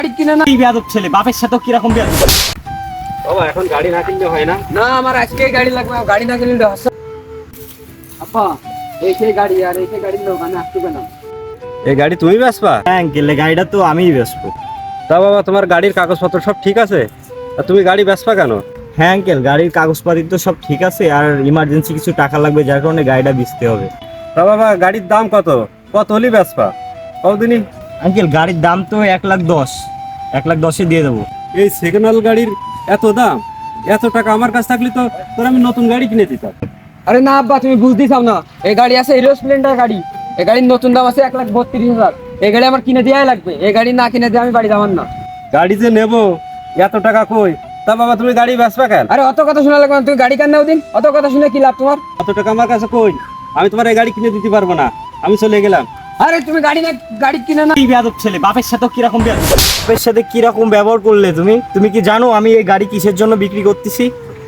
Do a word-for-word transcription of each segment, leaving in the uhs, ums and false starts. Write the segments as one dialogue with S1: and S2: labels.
S1: গাড়ি কিনে না।
S2: এই বেয়াদব ছেলে বাপের সাথে কিরকম বেয়াদব।
S3: বাবা এখন গাড়ি না কিনলে হয় না?
S1: না আমার আজকেই গাড়ি লাগবে, গাড়ি না কিনলে হচ্ছে। আপা এই সেই গাড়ি আর এই সেই গাড়ির লোক আমি আসতে না।
S3: এই গাড়ি তুমি বেচবা?
S2: হ্যাঁ আঙ্কেল, এই গাড়িটা তো আমিই বেচবো।
S3: তা বাবা তোমার গাড়ির কাগজপত্র সব ঠিক আছে? তা তুমি গাড়ি বেচবা কেন?
S2: হ্যাঁ আঙ্কেল, গাড়ির কাগজপাতি তো সব ঠিক আছে, আর ইমার্জেন্সি কিছু টাকা লাগবে যার কারণে গাড়িটা বেচতে হবে।
S3: তা বাবা গাড়ির দাম কত? কত হলে বেচবা? কতদিনই?
S2: আঙ্কেল গাড়ির দাম তো এক লাখ দশ, এক লাখ দশে দিয়ে দেবো।
S3: এই সেকেন্ড হ্যান্ড গাড়ির এত দাম? এত টাকা আমার কাছে থাকলে তো তোর আমি নতুন গাড়ি কিনে দিতাম।
S1: আরে না আব্বা, তুমি বুঝতেই চাও না। এই গাড়ি আছে হিরো স্প্লেন্ডার গাড়ি, এই গাড়ির নতুন দাম আছে এক লাখ বত্রিশ হাজার। এই গাড়ি আমার কিনে দেওয়াই লাগবে, এই গাড়ি না কিনে দিয়ে আমি বাড়ি যাবার না।
S3: গাড়ি যে নেবো এত টাকা কই? তা বাবা তুমি গাড়ি বেচবা কেন?
S1: আরে অত কথা শোনা লাগবে না, তুমি গাড়ি কেন নাও দিন, অত কথা শুনে কি লাভ তোমার?
S3: এত টাকা আমার কাছে কই? আমি তোমার এই গাড়ি কিনে দিতে পারবো না, আমি চলে গেলাম।
S1: আরে তুমি গাড়ি না, গাড়ি কিনে না।
S2: এই বেয়াদব ছেলে বাপের সাথে কিরকম বেয়াদব। বাপের সাথে কিরকম ব্যবহার করলে তুমি? তুমি কি জানো আমি এই গাড়ি কিসের জন্য বিক্রি করতেছি?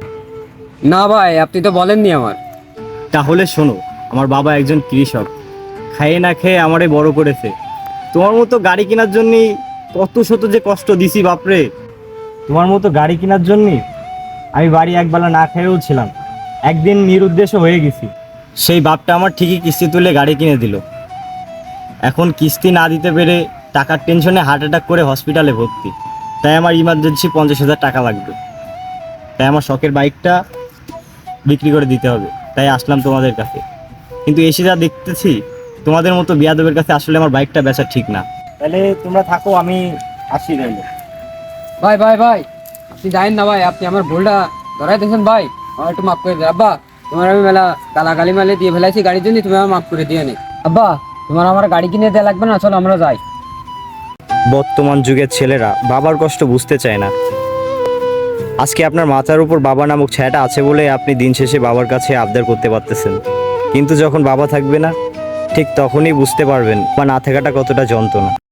S1: না ভাই, আপনি তো বলেননি আমার।
S2: তাহলে শোনো, আমার বাবা একজন কৃষক, খাইয়ে না খেয়ে আমারে বড় করেছে। তোমার মতো গাড়ি কেনার জন্য কত শত যে কষ্ট দিছি বাপরে। তোমার মতো গাড়ি কেনার জন্য আমি বাড়ি একবেলা না খেয়েও ছিলাম, একদিন নিরুদ্দেশ্য হয়ে গেছি। সেই বাপটা আমার ঠিকই কিস্তি তুলে গাড়ি কিনে দিল। এখন কিস্তি না দিতে পেরে টাকার টেনশনে হার্ট অ্যাটাক করে হসপিটালে ভর্তি। তাই আমার ইমার্জেন্সি পঞ্চাশ হাজার টাকা লাগবে, তাই আমার শখের বাইকটা বিক্রি করে দিতে হবে। তাই আসলাম তোমাদের কাছে, কিন্তু এসে যা দেখতেছি তোমাদের মতো বিয়াদবের কাছে আসলে আমার বাইকটা বেচা ঠিক না। তাহলে তোমরা থাকো, আমি আসি তাইলে।
S1: ভাই ভাই ভাই, আপনি জানেন না ভাই, আপনি আমার ভুলটা ধরাই দিয়েছেন ভাই, আমার একটু মাফ করে দেন। আব্বা তোমার আমি মেলা গালাগালি মেলে দিয়ে ফেলাইছি গাড়ির জন্য, তুমি আমার মাফ করে দিয়ে নে। আব্বা তোমার আমার গাড়ি কিনে দেওয়া লাগবে না, চলো আমরা যাই।
S2: বর্তমান যুগের ছেলেরা বাবার কষ্ট বুঝতে চায় না। আজকে আপনার মাথার উপর বাবা নামক ছায়াটা আছে বলে আপনি দিন শেষে বাবার কাছে আবদার করতে পারতেছেন, কিন্তু যখন বাবা থাকবে না ঠিক তখনই বুঝতে পারবেন বা না থাকাটা কতটা যন্ত্রণা।